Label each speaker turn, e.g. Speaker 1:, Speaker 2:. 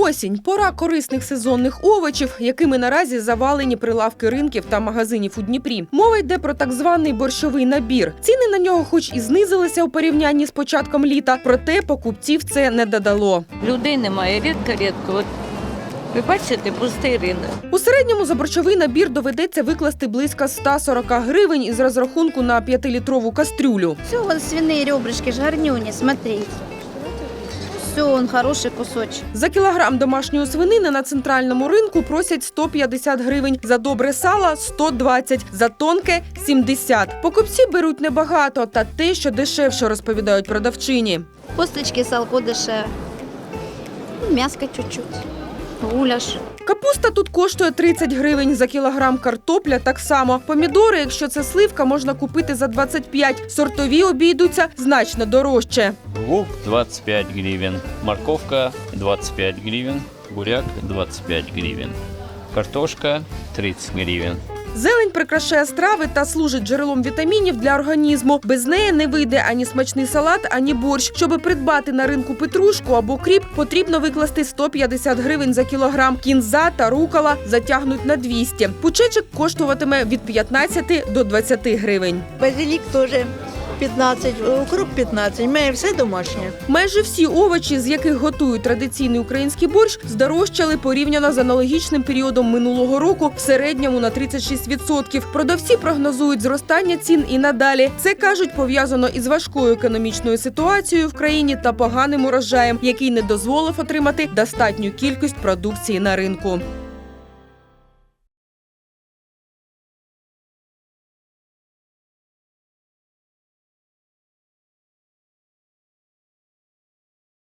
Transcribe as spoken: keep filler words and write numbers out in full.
Speaker 1: Осінь – пора корисних сезонних овочів, якими наразі завалені прилавки ринків та магазинів у Дніпрі. Мова йде про так званий борщовий набір. Ціни на нього хоч і знизилися у порівнянні з початком літа, проте покупців це не додало.
Speaker 2: Людей немає, рідко-рідко. От ви бачите, пустий ринок.
Speaker 1: У середньому за борщовий набір доведеться викласти близько ста сорока гривень із розрахунку на п'ятилітрову кастрюлю.
Speaker 3: Все, вон свиные ребрышки, жирнюни, смотри. Все, он хороший кусочек.
Speaker 1: За кілограм домашньої свинини на центральному ринку просять сто п'ятдесят гривень, за добре сало – сто двадцять, за тонке – сімдесят. Покупці беруть небагато, та те, що дешевше, розповідають продавчині.
Speaker 3: Косточки, салко дешеве. Мяско чуть-чуть. Гуляш.
Speaker 1: Капуста тут коштує тридцять гривень, за кілограм картопля так само. Помідори, якщо це сливка, можна купити за двадцять п'ять. Сортові обійдуться значно дорожче.
Speaker 4: Лук двадцать пять гривен, морковка двадцать пять гривен, буряк двадцать пять гривен, картошка тридцать гривен.
Speaker 1: Зелень прикрашає страви та служить джерелом вітамінів для організму. Без неї не вийде ані смачний салат, ані борщ. Щоби придбати на ринку петрушку або кріп, потрібно викласти сто п'ятдесят гривень за кілограм. Кінза та рукола затягнуть на двісті. Пучечок коштуватиме від п'ятнадцяти до двадцяти гривень.
Speaker 5: Базилік теж п'ятнадцять, укроп п'ятнадцять, має все домашнє.
Speaker 1: Майже всі овочі, з яких готують традиційний український борщ, здорожчали порівняно з аналогічним періодом минулого року в середньому на тридцять шість відсотків. Продавці прогнозують зростання цін і надалі. Це, кажуть, пов'язано із важкою економічною ситуацією в країні та поганим урожаєм, який не дозволив отримати достатню кількість продукції на ринку.